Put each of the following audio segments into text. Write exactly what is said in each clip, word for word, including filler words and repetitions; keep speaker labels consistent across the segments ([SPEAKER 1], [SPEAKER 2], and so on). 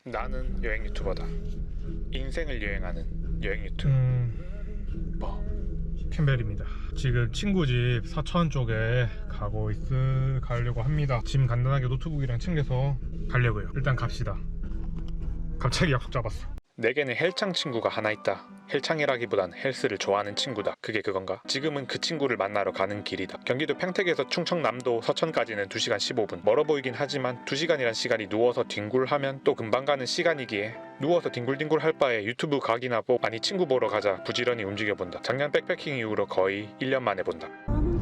[SPEAKER 1] 나는 여행 유튜버다. 인생을 여행하는 여행 유튜버.
[SPEAKER 2] 음...
[SPEAKER 1] 뭐?
[SPEAKER 2] 캠벨입니다. 지금 친구 집 서천 쪽에 가고 있... 가려고 합니다. 짐 간단하게 노트북이랑 챙겨서 가려고요. 일단 갑시다. 갑자기 약속 잡았어.
[SPEAKER 1] 내게는 헬창 친구가 하나 있다. 헬창이라기보단 헬스를 좋아하는 친구다. 그게 그건가? 지금은 그 친구를 만나러 가는 길이다. 경기도 평택에서 충청남도 서천까지는 두 시간 십오 분. 멀어 보이긴 하지만 두 시간이란 시간이 누워서 뒹굴하면 또 금방 가는 시간이기에 누워서 뒹굴뒹굴 할 바에 유튜브 각이나 보고 아니 친구 보러 가자 부지런히 움직여본다. 작년 백패킹 이후로 거의 일 년 만에 본다.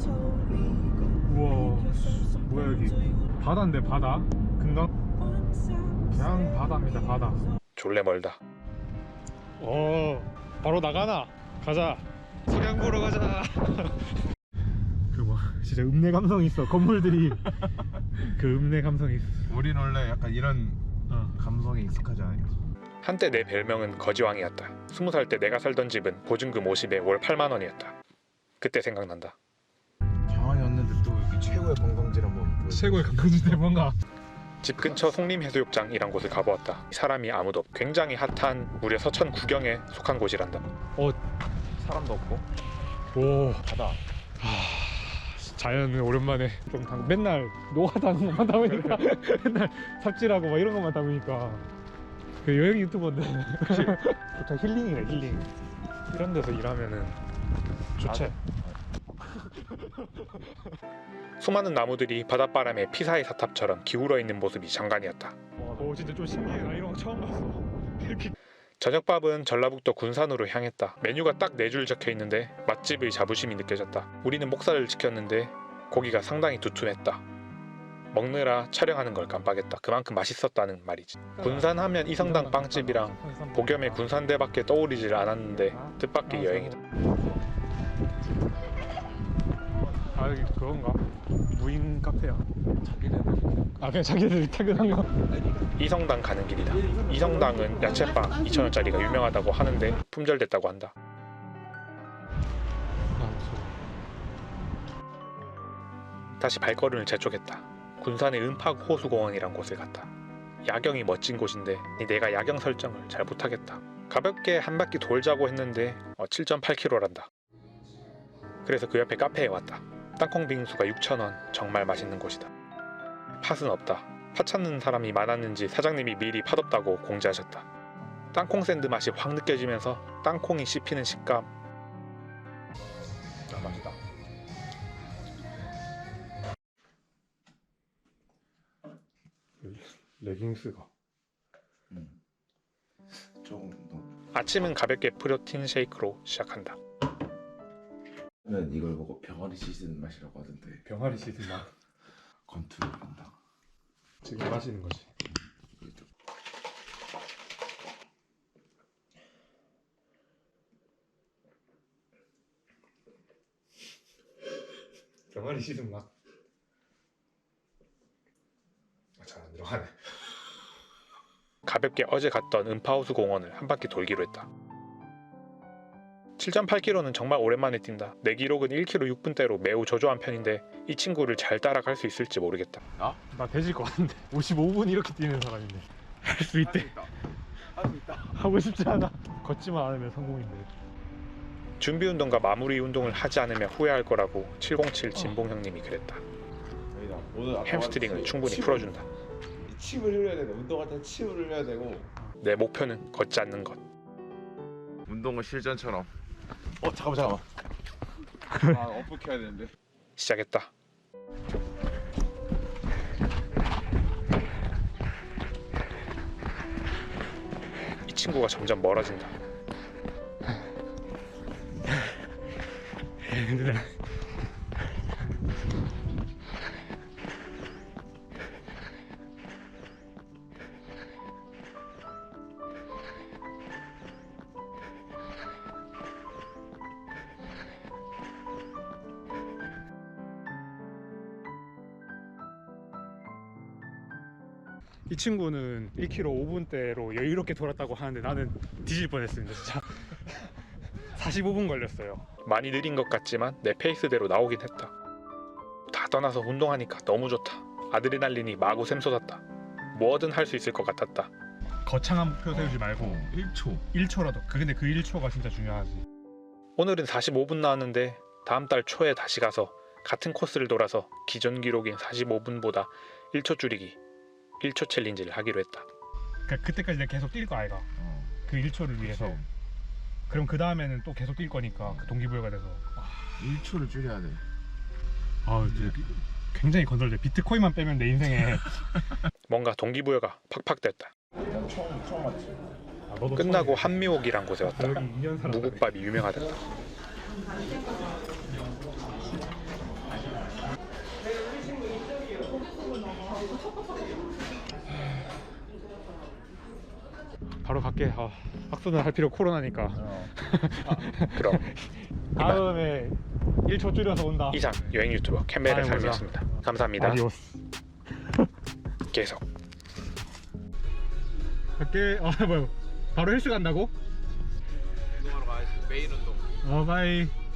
[SPEAKER 2] 우와, 뭐야 여기 바다인데 바다? 금강? 그냥 바다입니다. 바다.
[SPEAKER 1] 졸래 멀다.
[SPEAKER 2] 오, 바로 나가나? 가자. 석양 보러 가자. 그 뭐 진짜 읍내 감성이 있어. 건물들이 그 읍내 감성이 있어.
[SPEAKER 3] 우린 원래 약간 이런
[SPEAKER 2] 어.
[SPEAKER 3] 감성에 익숙하지 않아요.
[SPEAKER 1] 한때 내 별명은 거지왕이었다. 스무 살 때 내가 살던 집은 보증금 오십에 월 팔만 원이었다. 그때 생각난다.
[SPEAKER 3] 장안이 왔는데 또 여기 최고의 관광지를 한번 보여.
[SPEAKER 2] 최고의 관광지인데 뭔가
[SPEAKER 1] 집 근처 송림해수욕장이란 곳을 가보았다. 사람이 아무도 없고 굉장히 핫한 무려 서천 구경에 속한 곳이란다.
[SPEAKER 2] 어,
[SPEAKER 3] 사람도 없고
[SPEAKER 2] 오,
[SPEAKER 3] 바다.
[SPEAKER 2] 자연은 오랜만에 좀 당, 맨날 노가다는 것만 담으니까 맨날 삽질하고 막 이런 것만 담으니까 그 여행 유튜버인데 좋다. 힐링이네 힐링. 이런 데서 일하면은 좋지.
[SPEAKER 1] 수많은 나무들이 바닷바람에 피사의 사탑처럼 기울어 있는 모습이 장관이었다.
[SPEAKER 2] 오, 진짜 좀 신기해. 나 이런 거 처음 봤어. 이렇게
[SPEAKER 1] 저녁밥은 전라북도 군산으로 향했다. 메뉴가 딱 네 줄 적혀 있는데 맛집의 자부심이 느껴졌다. 우리는 목살을 시켰는데 고기가 상당히 두툼했다. 먹느라 촬영하는 걸 깜빡했다. 그만큼 맛있었다는 말이지. 군산 하면 이성당 빵집이랑 복염의 군산대밖에 떠오르질 않았는데 뜻밖의 여행이다.
[SPEAKER 2] 아, 여기 그건가? 무인 카페야. 자기네들. 아, 그냥 자기네들이 퇴근한 거.
[SPEAKER 1] 이성당 가는 길이다. 이성당은 야채빵 이천 원짜리가 유명하다고 하는데 품절됐다고 한다. 다시 발걸음을 재촉했다. 군산의 은팍 호수공원이란 곳을 갔다. 야경이 멋진 곳인데 내가 야경 설정을 잘 못하겠다. 가볍게 한 바퀴 돌자고 했는데 어, 칠 점 팔 킬로미터란다. 그래서 그 옆에 카페에 왔다. 땅콩 빙수가 육천 원, 정말 맛있는 곳이다. 팥은 없다. 팥 찾는 사람이 많았는지 사장님이 미리 팥 없다고 공지하셨다. 땅콩 샌드 맛이 확 느껴지면서 땅콩이 씹히는 식감. 아, 맛있다.
[SPEAKER 2] 레깅스가
[SPEAKER 3] 음. 조금 더.
[SPEAKER 1] 아침은 가볍게 프로틴 쉐이크로 시작한다.
[SPEAKER 3] 는 이걸 보고 병아리 씻은 맛이라고 하던데.
[SPEAKER 2] 병아리 씻은 맛.
[SPEAKER 3] 건투를 한다.
[SPEAKER 2] 지금 마시는 거지. 병아리 씻은 맛. 아, 잘 안 들어가네.
[SPEAKER 1] 가볍게 어제 갔던 음파호수 공원을 한 바퀴 돌기로 했다. 칠 점 팔 킬로미터는 정말 오랜만에 뛴다. 내 기록은 일 킬로미터 육 분대로 매우 저조한 편인데 이 친구를 잘 따라갈 수 있을지 모르겠다.
[SPEAKER 3] 나?
[SPEAKER 2] 나 되질 것 같은데. 오십오 분 이렇게 뛰는 사람인데 할 수 있대.
[SPEAKER 3] 할 수 있다.
[SPEAKER 2] 하고 싶지 않아. 걷지만 않으면 성공인데.
[SPEAKER 1] 준비 운동과 마무리 운동을 하지 않으면 후회할 거라고 칠공칠 진봉 형님이 그랬다.
[SPEAKER 3] 오늘
[SPEAKER 1] 햄스트링을 충분히 풀어준다.
[SPEAKER 3] 침을 흘려야 되고 운동할 때 침을 흘려야 되고.
[SPEAKER 1] 내 목표는 걷지 않는 것.
[SPEAKER 3] 운동은 실전처럼. 어 잠깐만 잠깐만. 아 어플 켜야 되는데.
[SPEAKER 1] 시작했다. 이 친구가 점점 멀어진다.
[SPEAKER 2] 이 친구는 일 킬로미터 오 분대로 여유롭게 돌았다고 하는데 나는 뒤질 뻔했습니다 진짜. 사십오 분 걸렸어요.
[SPEAKER 1] 많이 느린 것 같지만 내 페이스대로 나오긴 했다. 다 떠나서 운동하니까 너무 좋다. 아드레날린이 마구 샘솟았다. 뭐든 할 수 있을 것 같았다.
[SPEAKER 2] 거창한 목표 세우지 말고
[SPEAKER 3] 어, 일 초.
[SPEAKER 2] 일 초라도 그 근데 그 일 초가 진짜 중요하지.
[SPEAKER 1] 오늘은 사십오 분 나왔는데 다음 달 초에 다시 가서 같은 코스를 돌아서 기존 기록인 사십오 분보다 일 초 줄이기 일 초 챌린지를 하기로 했다.
[SPEAKER 2] 그러니까 그때까지 내가 계속 뛸 거 아이가.
[SPEAKER 3] 어.
[SPEAKER 2] 그 일 초를 위해서.
[SPEAKER 3] 그치.
[SPEAKER 2] 그럼 그 다음에는 또 계속 뛸 거니까 그 동기부여가 돼서.
[SPEAKER 3] 일 초를 줄여야 돼.
[SPEAKER 2] 아, 굉장히 건설돼. 비트코인만 빼면 내 인생에.
[SPEAKER 1] 뭔가 동기부여가 팍팍 됐다.
[SPEAKER 3] 처음 처음 왔지.
[SPEAKER 2] 아, 너도
[SPEAKER 1] 끝나고 한미옥이란 곳에 왔다.
[SPEAKER 2] 여기 이 년 살았다.
[SPEAKER 1] 무국밥이 유명하다.
[SPEAKER 2] 바로 갈게. 아, 학수는 할 필요 코로나니까.
[SPEAKER 3] 어.
[SPEAKER 1] 그럼
[SPEAKER 2] 다음에 일 초 줄여서 온다.
[SPEAKER 1] 이상 여행 유튜버 캠벨의
[SPEAKER 2] 아이, 맞아.
[SPEAKER 1] 삶이었습니다. 감사합니다.
[SPEAKER 2] 아디오스.
[SPEAKER 1] 계속.
[SPEAKER 2] 갈게. 아, 뭐야. 바로 헬스 간다고?
[SPEAKER 3] 운동하러 가야지. 매일 운동.
[SPEAKER 2] 어, 바이.